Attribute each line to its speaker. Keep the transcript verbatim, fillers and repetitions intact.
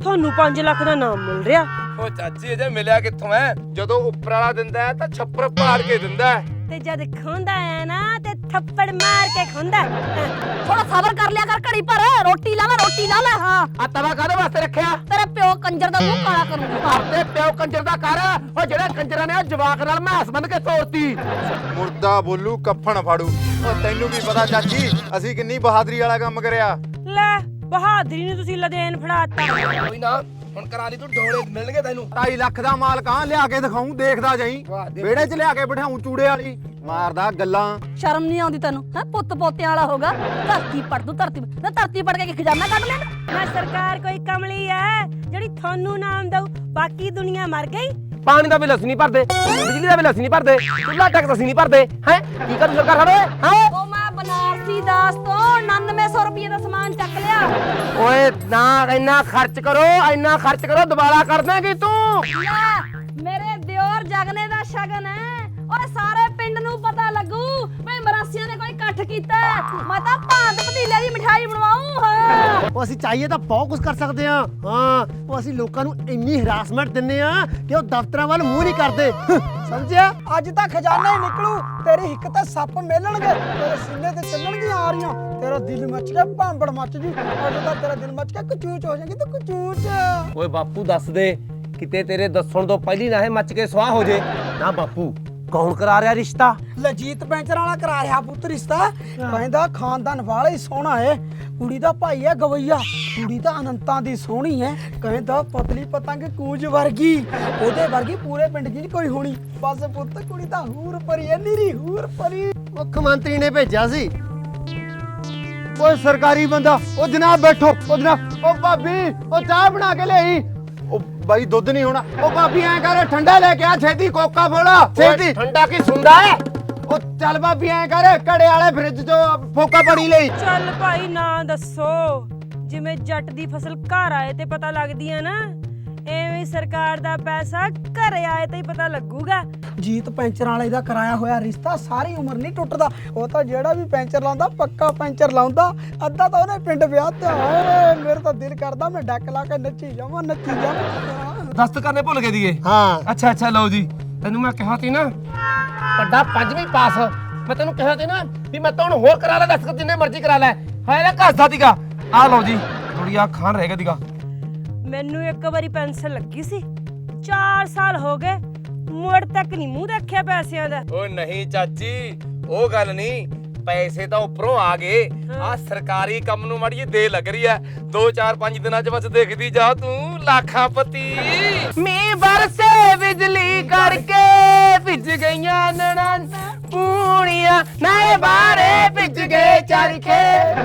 Speaker 1: ਤੁਹਾਨੂੰ ਪੰਜ ਲੱਖ ਦਾ ਨਾਮ ਮਿਲ ਰਿਹਾ।
Speaker 2: ਉਹ ਚਾਚੀ ਅਜੇ ਮਿਲਿਆ ਕਿੱਥੋਂ ਐ? ਜਦੋਂ ਉੱਪਰ ਵਾਲਾ ਦਿੰਦਾ ਤਾਂ ਛੱਪਰ ਪਾੜ ਕੇ ਦਿੰਦਾ
Speaker 1: ਤੇ ਜਦ ਖੁੰਦਾ ਆ ਨਾ ਤੇ ਥੱਪੜ ਮਾਰ ਕੇ ਖੁੰਦਾ।
Speaker 3: ਥੋੜਾ ਸਬਰ ਕਰ ਲਿਆ ਕਰ ਘੜੀ ਪਰ ਰੋਟੀ ਲਾ ਲੈ ਰੋਟੀ ਲਾ ਲੈ। ਹਾਂ
Speaker 2: ਆ ਤਵਾ ਕਾਹਦੇ ਵਾਸਤੇ ਰੱਖਿਆ?
Speaker 3: ਤੇਰੇ ਪਿਓ ਕੰਜਰ ਦਾ ਮੂੰਹ ਕਾਲਾ ਕਰੂੰਗੀ।
Speaker 2: ਤੇ ਪਿਓ ਕੰਜਰ ਦਾ ਕਰ। ਉਹ ਜਿਹੜੇ ਕੰਜਰਾਂ ਨੇ ਜਵਾਕ ਨਾਲ ਮੈਸ ਬੰਨ ਕੇ ਤੋੜਤੀ।
Speaker 4: ਮੁਰਦਾ ਬੋਲੂ ਕੱਫਣ ਫਾੜੂ। ਉਹ ਤੈਨੂੰ ਵੀ ਪਤਾ ਚਾਚੀ ਅਸੀਂ ਕਿੰਨੀ ਬਹਾਦਰੀ ਵਾਲਾ ਕੰਮ ਕਰਿਆ।
Speaker 1: ਲੈ ਬਹਾਦਰੀ ਨੂੰ ਤੁਸੀਂ ਲਦੇਨ ਫੜਾਤਾ।
Speaker 2: ਕੋਈ ਨਾ ਹੁਣ ਕਰਾ ਲਈ ਤੂੰ ਡੋਲੇ ਮਿਲਣਗੇ ਤੈਨੂੰ।
Speaker 4: ਢਾਈ ਲੱਖ ਦਾ ਮਾਲ ਕਾਂ ਲਿਆ ਕੇ ਦਿਖਾਉਂ ਦੇਖਦਾ ਜਾਈ। ਵਿਹੜੇ 'ਚ ਲਿਆ ਕੇ ਬਿਠਾਉਂ ਚੂੜੇ ਵਾਲੀ ਮਾਰਦਾ ਗੱਲਾਂ।
Speaker 3: ਸ਼ਰਮ ਨਹੀਂ ਆਉਂਦੀ ਤੈਨੂੰ? ਹੈ ਪੁੱਤ ਪੋਤਿਆਂ ਵਾਲਾ ਹੋਗਾ। ਧਰਤੀ ਪੜ ਤੂੰ ਧਰਤੀ ਨਾ ਧਰਤੀ ਪੜ ਕੇ ਖਜ਼ਾਨਾ ਕੱਢ ਲੈਣਾ।
Speaker 1: ਨਾ ਸਰਕਾਰ ਕੋਈ ਕਮਲੀ ਐ ਜਿਹੜੀ ਤੁਹਾਨੂੰ ਨਾਮ ਦਊ, ਬਾਕੀ ਦੁਨੀਆ ਮਰ ਗਈ।
Speaker 2: ਪਾਣੀ ਦਾ ਬਿੱਲ ਅਸੀਂ ਨਹੀਂ ਭਰਦੇ, ਬਿਜਲੀ ਦਾ ਬਿੱਲ ਅਸੀਂ ਨਹੀਂ ਭਰਦੇ, ਚੁੱਲ੍ਹਾ ਟੈਕਸ ਅਸੀਂ ਨਹੀਂ ਭਰਦੇ। ਹੈ ਕੀ ਕਰੂ ਸਰਕਾਰ ਸਾਡੇ? ਹੈ
Speaker 3: ਉਹ ਮੈਂ ਬਨਾਰਸੀ ਦਾਸ ਤੋਂ ਉਨਾਨਵੇਂ ਸੌ ਰੁਪਏ ਦਾ ਸਮਾਨ ਚੱਕ ਲਿਆ।
Speaker 2: ਓਏ ਨਾ ਇੰਨਾ ਖਰਚ ਕਰੋ, ਇੰਨਾ ਖਰਚ ਕਰੋ ਦੁਬਾਰਾ ਕਰ ਦੇਂਗੀ ਤੂੰ।
Speaker 3: ਲੈ ਮੇਰੇ ਦਿਓਰ ਜਗਨੇ ਦਾ ਸ਼ਗਨ ਹੈ। ਓਏ ਸਾਰੇ ਪਿੰਡ ਨੂੰ ਪਤਾ ਲੱਗੂ ਵੀ ਮਰਾਸੀਆਂ ਨੇ ਕੋਈ ਇਕੱਠ ਕੀਤਾ। ਮੈਂ ਤਾਂ ਭਾਂਤ ਪਤੀਲੇ ਦੀ ਮਠਾਈ ਬਣਵਾਉਂ। ਹਾਂ
Speaker 5: ਉਹ ਅਸੀਂ ਚਾਹੀਏ ਤਾਂ ਬਹੁਤ ਕੁਝ ਕਰ ਸਕਦੇ ਹਾਂ। ਹਾਂ ਉਹ ਅਸੀਂ ਲੋਕਾਂ ਨੂੰ ਇੰਨੀ ਹਰਾਸਮੈਂਟ ਦਿੰਨੇ ਆ ਕਿ ਉਹ ਦਫ਼ਤਰਾਂ ਵੱਲ ਮੂੰਹ ਨਹੀਂ ਕਰਦੇ।
Speaker 6: ਸਮਝਿਆ? ਅੱਜ ਤਾਂ ਖਜ਼ਾਨਾ ਹੀ ਨਿਕਲੂ। ਤੇਰੀ ਹਿੱਕ ਤੇ ਸੱਪ ਮੇਲਣਗੇ, ਤੇਰੇ ਸੀਨੇ ਤੇ ਚੱਲਣਗੀਆਂ ਆ ਰਹੀਆਂ। ਤੇਰਾ ਦਿਲ ਮੱਚ ਗਿਆ, ਭਾਂਬੜ ਮੱਚ ਜੂ। ਅੱਜ ਤਾਂ ਤੇਰਾ ਦਿਲ ਮੱਚ ਗਿਆ, ਕਚੂਚ ਹੋ ਜਾਏਗੀ ਤੂੰ ਕਚੂਚ।
Speaker 2: ਓਏ ਬਾਪੂ ਦੱਸ ਦੇ, ਕਿਤੇ ਤੇਰੇ ਦੱਸਣ ਤੋਂ ਪਹਿਲੀ ਨਾ ਇਹ ਮੱਚ ਕੇ ਸਵਾਹ ਹੋ ਜੇ। ਨਾ ਬਾਪੂ ਕੌਣ ਕਰਾ ਰਿਹਾ ਰਿਸ਼ਤਾ?
Speaker 6: ਲਜੀਤ ਪੈਂਚਰ ਵਾਲਾ ਕਰਾ ਰਿਹਾ ਪੁੱਤ ਰਿਸ਼ਤਾ। ਕਹਿੰਦਾ ਖਾਨਦਾਨ ਵਾਲਾ ਹੀ ਸੋਹਣਾ ਏ। ਕੁੜੀ ਦਾ ਭਾਈ ਹੈ ਗਵਈਆ, ਕੁੜੀ ਤਾਂ ਅਨੰਤਾਂ ਦੀ ਸੋਹਣੀ ਹੈ। ਕਹਿੰਦਾ ਪਤਲੀ ਪਤੰਗ ਕੂੰਜ ਵਰਗੀ, ਉਹਦੇ ਵਰਗੀ ਪੂਰੇ ਪਿੰਡ 'ਚ ਨਹੀਂ ਕੋਈ ਹੋਣੀ। ਬਸ ਪੁੱਤ ਕੁੜੀ ਤਾਂ ਹੂਰ ਪਰੀ ਹੈ, ਨੀਰੀ ਹੂਰ ਪਰੀ।
Speaker 5: ਮੁੱਖ ਮੰਤਰੀ ਨੇ ਭੇਜਿਆ ਸੀ। ਓਏ ਸਰਕਾਰੀ ਬੰਦਾ। ਉਹ ਜਨਾਬ ਬੈਠੋ। ਉਹ ਜਨਾਬ। ਉਹ ਭਾਬੀ ਉਹ ਚਾਹ ਬਣਾ ਕੇ ਲਿਆਈ। ਉਹ ਬਾਈ ਦੁੱਧ ਨਹੀਂ ਹੋਣਾ। ਉਹ ਭਾਬੀ ਐਂ ਕਰ ਠੰਡਾ ਲੈ ਕੇ ਆ ਛੇਤੀ, ਕੋਕਾ ਫੋੜਾ ਛੇਤੀ।
Speaker 2: ਠੰਡਾ ਕੀ ਸੁਣਦਾ ਹੈ?
Speaker 5: ਉਹ ਚੱਲ ਭਾਬੀ ਐਂ ਕਰ ਘੜੇ ਵਾਲੇ ਫ੍ਰਿਜ 'ਚੋਂ ਫੋਕਾ ਪੜੀ ਲਈ।
Speaker 1: ਚੱਲ ਭਾਈ ਨਾ ਦੱਸੋ, ਜਿਵੇਂ ਜੱਟ ਦੀ ਫਸਲ ਘਰ ਆਏ ਤੇ ਪਤਾ ਲੱਗਦੀ ਆ ਨਾ, ਐਵੇਂ ਸਰਕਾਰ ਦਾ ਪੈਸਾ ਘਰੇ ਆਏ ਤੇ ਹੀ ਪਤਾ ਲੱਗੂਗਾ।
Speaker 6: ਜੀਤ ਪੈਂਚਰ ਵਾਲੇ ਦਾ ਕਰਾਇਆ ਹੋਇਆ ਰਿਸ਼ਤਾ ਸਾਰੀ ਉਮਰ ਨਹੀਂ ਟੁੱਟਦਾ। ਉਹ ਤਾਂ ਜਿਹੜਾ ਵੀ ਪੈਂਚਰ ਲਾਉਂਦਾ ਪੱਕਾ ਪੈਂਚਰ ਲਾਉਂਦਾ। ਅੱਧਾ ਤਾਂ ਉਹਨੇ ਪਿੰਡ ਵਿਆਹ ਤੇ ਹੋਏ। ਮੇਰੇ ਤਾਂ ਦਿਲ ਕਰਦਾ ਮੈਂ ਡੱਕ ਲਾ ਕੇ ਨੱਚੀ ਜਾਵਾਂ ਨੱਚੀ ਜਾਵਾਂ।
Speaker 2: ਦਸਤ ਕਰਨੇ ਭੁੱਲ ਗਏ ਦੀਏ।
Speaker 5: ਹਾਂ
Speaker 2: ਅੱਛਾ ਅੱਛਾ ਲਓ ਜੀ, ਤੈਨੂੰ ਮੈਂ ਕਿਹਾ ਸੀ ਨਾ ਵੱਡਾ ਪੰਜਵੀਂ ਪਾਸ। ਮੈਂ ਤੈਨੂੰ ਕਿਹਾ ਸੀ ਨਾ ਵੀ ਮੈਂ ਤਾਂ ਹੁਣ ਹੋਰ ਕਰਾ ਲੈ, ਦਸਤ ਜਿੰਨੇ ਮਰਜ਼ੀ ਕਰਾ ਲੈ। ਹਾਏ ਨਾ ਘਸਦਾ ਦੀਗਾ। ਆ ਲਓ ਜੀ ਥੋੜੀ ਆ ਖਾਣ ਰਹਿ ਗਿਆ ਦੀਗਾ।
Speaker 1: ਮੈਨੂੰ ਇੱਕ ਵਾਰੀ ਪੈਨਸ਼ਨ ਲੱਗੀ ਸੀ, ਚਾਰ ਸਾਲ ਹੋ ਗਏ, ਮੁੜ ਤੱਕ ਨਹੀਂ ਮੂੰਹ ਦੇਖਿਆ ਪੈਸਿਆਂ ਦਾ।
Speaker 2: ਓ ਨਹੀਂ ਚਾਚੀ, ਉਹ ਗੱਲ ਨਹੀਂ, ਪੈਸੇ ਤਾਂ ਉੱਪਰੋਂ ਆ ਗਏ। ਆ ਸਰਕਾਰੀ ਕੰਮ ਨੂੰ ਮਾੜੀ ਦੇ ਲੱਗ ਰਹੀ ਐ। ਦੋ ਚਾਰ ਪੰਜ ਦਿਨਾਂ ਚ ਬਸ ਦੇਖਦੀ ਜਾ ਤੂੰ ਲੱਖਾਂ ਪਤੀ। ਮੀਂਹ ਬਰਸੇ ਬਿਜਲੀ ਕਰਕੇ ਭਿੱਜ ਗਈਆਂ ਨਣਾਂ ਪੂਣੀਆਂ, ਨਾਏ ਬਾਰੇ ਭਿੱਜ ਗਏ ਚਰਖੇ।